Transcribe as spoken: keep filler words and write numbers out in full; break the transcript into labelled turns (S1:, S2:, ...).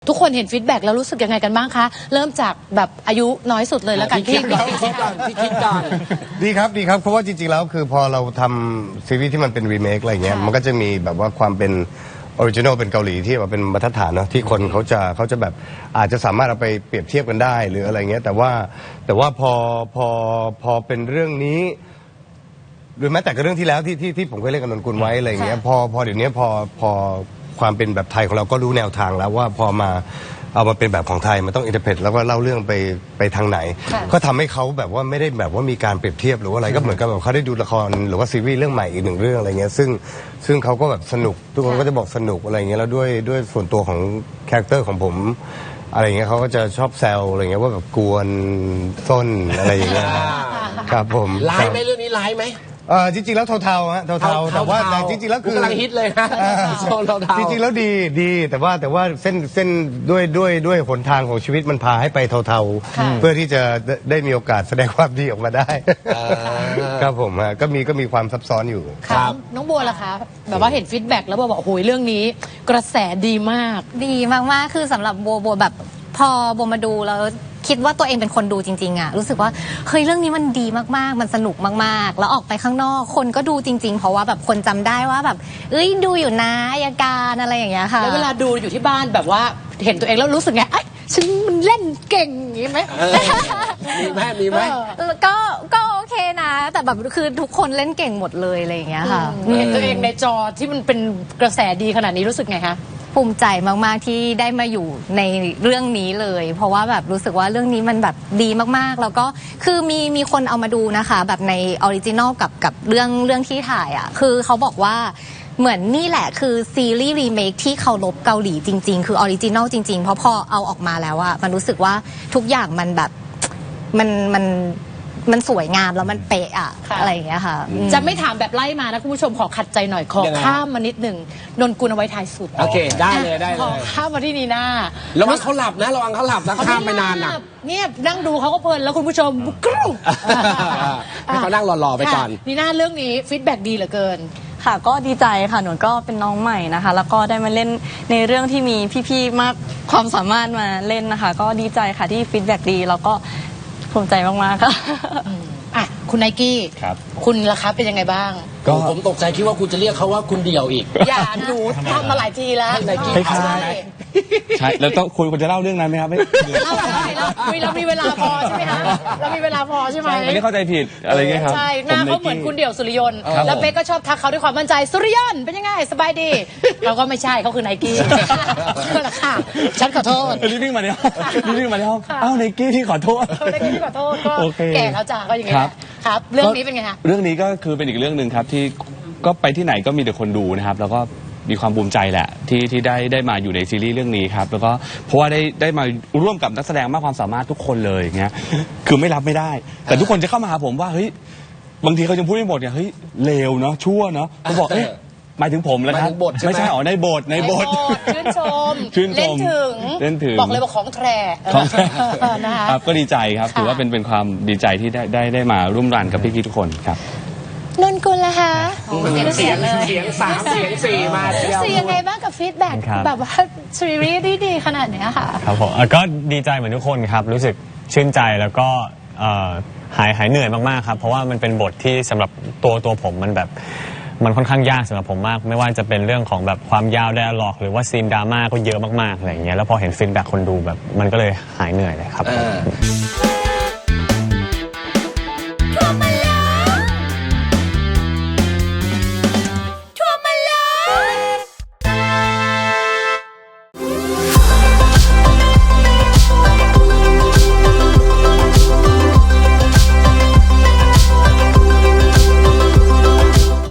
S1: ทุกคนเห็นฟีดแบ็กแล้วรู้สึกยังไงกันบ้างคะเริ่มจากแบบอายุน้อยสุดเลยแล้วกัน
S2: พี่คิดก่อนพี่คิดก่อนพี่คิดก่อน
S3: ดีครับดีครับเพราะว่าจริงๆแล้วคือพอเราทำซีรีส์ที่มันเป็นรีเมคอะไรเงี้ยมันก็จะมีแบบว่าความเป็นออริจินอลเป็นเกาหลีที่แบบเป็นมาตรฐานเนาะที่คนเขาจะเขาจะแบบอาจจะสามารถเอาไปเปรียบเทียบกันได้หรืออะไรเงี้ยแต่ว่าแต่ว่าพอพอพอเป็นเรื่องนี้หรือแม้แต่กับเรื่องที่แล้วที่ที่ที่ผมเคยเล่นกับนนกุลไว้อะไรเงี้ยพอพอเดี๋ยวนี้พอพอความเป็นแบบไทยของเราก็รู้แนวทางแล้วว่าพอมาเอามาเป็นแบบของไทยมันต้องอินเตอร์เพตแล้วก็เล่าเรื่องไปไปทางไหนก็ทำให้เขาแบบว่าไม่ได้แบบว่ามีการเปรียบเทียบหรือว่าอะไรก็เหมือนกับแบบเขาได้ดูละครหรือว่าซีรีส์เรื่องใหม่อีกหนึ่งเรื่องอะไรเงี้ยซึ่งซึ่งเขาก็แบบสนุกทุกคนก็จะบอกสนุกอะไรเงี้ยแล้วด้วยด้วยส่วนตัวของคาแรคเตอร์ของผมอะไรเงี้ยเขาก็จะชอบแซวอะไรเงี้ยว่าแบบกวนส้นอะไรอย่างเงี้ยครับผม
S2: ร้ายไหมเรื่องนี้ร้ายไหม
S3: เออจริงๆแล้วเทาๆฮะเทาๆแต่ว่าจริงๆแล้วคือก
S2: ำลังฮิตเลยนะโซนเทาๆ
S3: จริงๆแล้วดีดีแต่ว่าแต่ว่าเส้นเส้นด้วยด้วยด้วยหนทางของชีวิตมันพาให้ไปเทาๆเพื่อที่จะได้มีโอกาสแสดงความดีออกมาได้ครับผมฮะก็มีก็มีความซับซ้อนอยู่
S1: ครับน้องบัวล่ะคะแบบว่าเห็นฟีดแบ็กแล้วบัวบอกโอ้โหเรื่องนี้กระแสดีมาก
S4: ดีมากๆคือสำหรับบัวบัวแบบพอบัวมาดูแล้วคิดว่าตัวเองเป็นคนดูจริงๆอ่ะรู้สึกว่าเฮ้ยเรื่องนี้มันดีมากๆมันสนุกมากๆแล้วออกไปข้างนอกคนก็ดูจริงๆเพราะว่าแบบคนจำได้ว่าแบบเอ้ยดูอยู่นะอัยการอะไรอย่างเงี้ยค่ะ
S1: แล้วเวลาดูอยู่ที่บ้านแบบว่าเห็นตัวเองแล้วรู้สึกไงไอ้ฉันมันเล่นเก่งอย่างงี้ไหม
S2: มีไหมมีไหม
S4: ก็ก็โอเคนะแต่แบบคือทุกคนเล่นเก่งหมดเลยอะไรอย่างเงี้ยค่ะ
S1: เห็นตัวเองในจอที่มันเป็นกระแสดีขนาดนี้รู้สึกไงคะ
S4: ภูมิใจมากๆที่ได้มาอยู่ในเรื่องนี้เลยเพราะว่าแบบรู้สึกว่าเรื่องนี้มันแบบดีมากๆแล้วก็คือมีมีคนเอามาดูนะคะแบบในออริจินอลกับกับเรื่องเรื่องที่ถ่ายอ่ะคือเขาบอกว่าเหมือนนี่แหละคือซีรีส์รีเมคที่เคารพเกาหลีจริงๆคือออริจินอลจริงๆเพราะพอเอาออกมาแล้วอ่ะมันรู้สึกว่าทุกอย่างมันแบบมันมันมันสวยงามแล้วมันเป๊ะอะอะไรอย่างเงี้ยค่ะ
S1: จะไม่ถามแบบไล่มานะคุณผู้ชมขอขัดใจหน่อยขอข้ามมานิดหนึ่งนนกุลเอาไว้ท้ายสุด
S2: โอเคได้เลยได้เลย
S1: ขอข้ามมาที่นีน่า
S2: ระวังเขาหลับนะระวังเขาหลับนะข้ามไปนานนะ
S1: เนี่ยนั่งดูเขาก็เพลินแล้วคุณผู้ชมกรุ๊ป
S2: ให้เขานั่งรอๆไปก่อน
S1: นีน่าเรื่องนี้ฟีดแบ็กดีเหลือเกิน
S5: ค่ะก็ดีใจค่ะหนูก็เป็นน้องใหม่นะคะแล้วก็ได้มาเล่นในเรื่องที่มีพี่ๆมากความสามารถมาเล่นนะคะก็ดีใจค่ะที่ฟีดแบ็กดีแล้วก็ภูมิใจมากๆค่ะ
S1: อ่ะคุณไนกี้
S6: ครับ
S1: คุณล่ะครับเป็นยังไงบ้าง
S2: ก็ผมตกใจคิดว่าคุณจะเรียกเขาว่าคุณเดี่ยวอีก
S1: อย่าหนูทำมาหลายทีแล้ว
S2: ไนกี้
S6: ใช่ใช่แล้วต้องคุยคุณจะเล่าเรื่องนั้นไหมครับไม่
S1: เล่าได้เราเรามีเวลาพอใช่ไหมคะเรามีเวลาพอใช่ไหม
S6: ไม่ได้เข้าใจผิดอะไรเงี้ยครับ
S1: ใช่หน้าเขาเหมือนคุณเดี่ยวสุริยนต์แล้วเป๊กก็ชอบทักเขาด้วยความมั่นใจสุริยนต์เป็นยังไงสบายดีเราก็ไม่ใช่เขาคือไนกี้นั่นแหละค่ะฉันขอโทษ
S6: รีบวิ่งมาในห้องรีบวิ่งมาในห้องอ้าวไนกี้ที่ขอโทษ
S1: ไนกี้ที่ขอโทษก็แก่แล้วจ้าก็อย่างเงี้ยครับเรื่องนี้เป็นไงคะ
S6: เรื่องนี้ก็คือเป็นอีกเรื่องหนึ่งครับที่ก็ไปที่ไหนก็มีแต่คนดูนะครับแล้วก็มีความภูมิใจแหละที่ที่ได้ได้มาอยู่ในซีรีส์เรื่องนี้ครับแล้วก็เพราะว่าได้ได้มาร่วมกับนักแสดงมากความสามารถทุกคนเลยอย่างเงี้ยคือไม่รับไม่ได้แต่ทุกคนจะเข้ามาหาผมว่าเฮ้ยบางทีเขาจะพูดไม่หมดเนี่ยเฮ้ยเลวเนาะชั่วเนาะเขาบอกเอ๊ะหมายถึงผมแล้วครับไม่ใช่อ๋อในบทในบท
S1: ชื่นชม
S6: ชื่นชม
S1: เล่นถึง
S6: เล่นถึง
S1: บอกเลยว่าของแท้
S6: ของแท้ครับก็ดีใจครับถือว่าเป็นเป็นความดีใจที่ได้ได้ได้มาร่วมรันกับพี่ๆทุกคนครับ
S1: นนกุลล่ะคะ
S2: เสียงเสียงสามเสียงสี่มา
S1: เสียงยังไงบ้างกับฟีดแบ็กแบบว่าซีรีส์ดีขนาดนี้ค่ะ
S7: ครับผมก็ดีใจเหมือนทุกคนครับรู้สึกชื่นใจแล้วก็หายหายเหนื่อยมากๆครับเพราะว่ามันเป็นบทที่สำหรับตัวตัวผมมันแบบมันค่อนข้างยากสำหรับผมมากไม่ว่าจะเป็นเรื่องของแบบความยาวไดอะล็อกหรือว่าซีนดราม่าก็เยอะมากๆอะไรอย่างเงี้ยแล้วพอเห็นฟีดแบ็กคนดูแบบมันก็เลยหายเหนื่อยเลยครับ